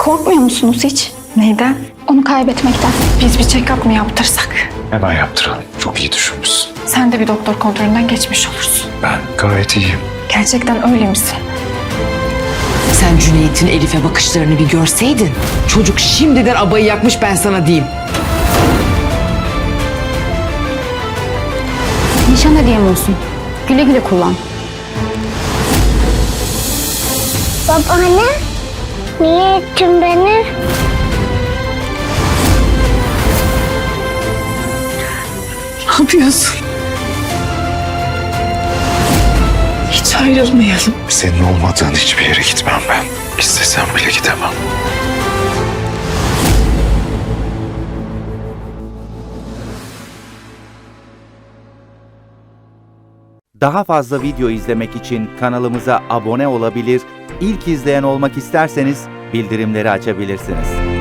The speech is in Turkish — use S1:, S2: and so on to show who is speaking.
S1: Korkmuyor musunuz hiç?
S2: Neyden?
S1: Onu kaybetmekten.
S2: Biz bir check-up mı yaptırsak?
S3: Hemen yaptıralım. Çok iyi düşünmüşsün.
S2: Sen de bir doktor kontrolünden geçmiş olursun.
S3: Ben gayet iyiyim.
S2: Gerçekten öyle misin?
S4: Sen Cüneyt'in Elif'e bakışlarını bir görseydin. Çocuk şimdiden abayı yakmış, ben sana diyeyim.
S1: Nişan hediyem olsun. Güle güle kullan.
S5: Babaanne, niye ettin beni?
S2: Ne yapıyorsun? Hiç ayrılmayalım.
S3: Senin olmadığın hiçbir yere gitmem ben. İstesem bile gidemem.
S6: Daha fazla video izlemek için kanalımıza abone olabilir, ilk izleyen olmak isterseniz bildirimleri açabilirsiniz.